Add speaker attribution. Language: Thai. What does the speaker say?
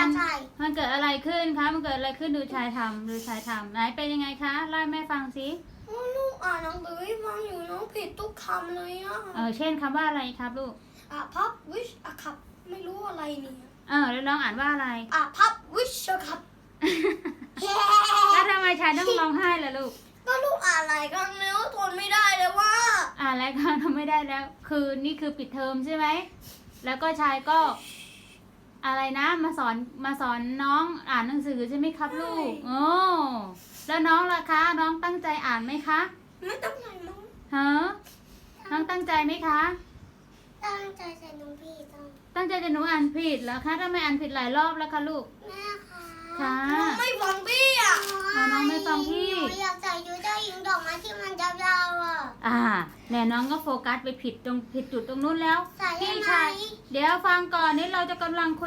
Speaker 1: ใช่
Speaker 2: มันเกิดอะไรขึ้นคะมันเกิดอะไรขึ้นดูชายทำไหนเป็นยังไงคะเล่าให้แม่ฟังสิ
Speaker 1: ลูกอ่านหนังสือให้ฟังอยู่น้องผิดทุกคำเลยอ่ะ
Speaker 2: เช่นคำว่าอะไรครับลูก
Speaker 1: พับวิชอะครับไม่รู้อะไรเนี่ย
Speaker 2: แล้วน้องอ่านว่าอะไร
Speaker 1: พับวิชอะครับ
Speaker 2: แล้วทำไมชายต้องร้องไห้ล่ะลูก
Speaker 1: ก็ลูกอ่านหลายครั้งแล้วทนไม่ได้เลยว่า
Speaker 2: อ่านแล้วก็ทำไม่ได้แล้ว คือนี่คือปิดเทอมใช่ไหมแล้วก็ชายก็อะไรนะมาสอนน้องอ่านหนังสือใช่ไหมครับลูกโอ้แล้วน้องล่ะคะน้องตั้งใจอ่านไหมคะ
Speaker 1: ไม่ต้องไหนมั้ง
Speaker 2: ฮะน้องตั้งใจไหมคะ
Speaker 1: ตั้งใจใส่น้องพี่ต้อง
Speaker 2: ตั้งใจจะหนูอ่านผิดเหรอคะทำไมอ่านผิดหลายรอบแล้วคะลูก
Speaker 1: แม่คะ
Speaker 2: ค่ะ
Speaker 1: น้องไม่ฟังพี่อ่ะ
Speaker 2: น้องไม่ฟังพี่
Speaker 1: หนูอยากใส่ยูเจ้าหญิงดอกไม้ที่มันยาวๆอ่ะ
Speaker 2: เนี่ยน้องก็โฟกัสไปผิดจุดตรงนู้นแล้ว
Speaker 1: ใส่ได้
Speaker 2: พี่
Speaker 1: ไหม
Speaker 2: ชายเดี๋ยวฟังก่อนนี่เราจะกำลังคุย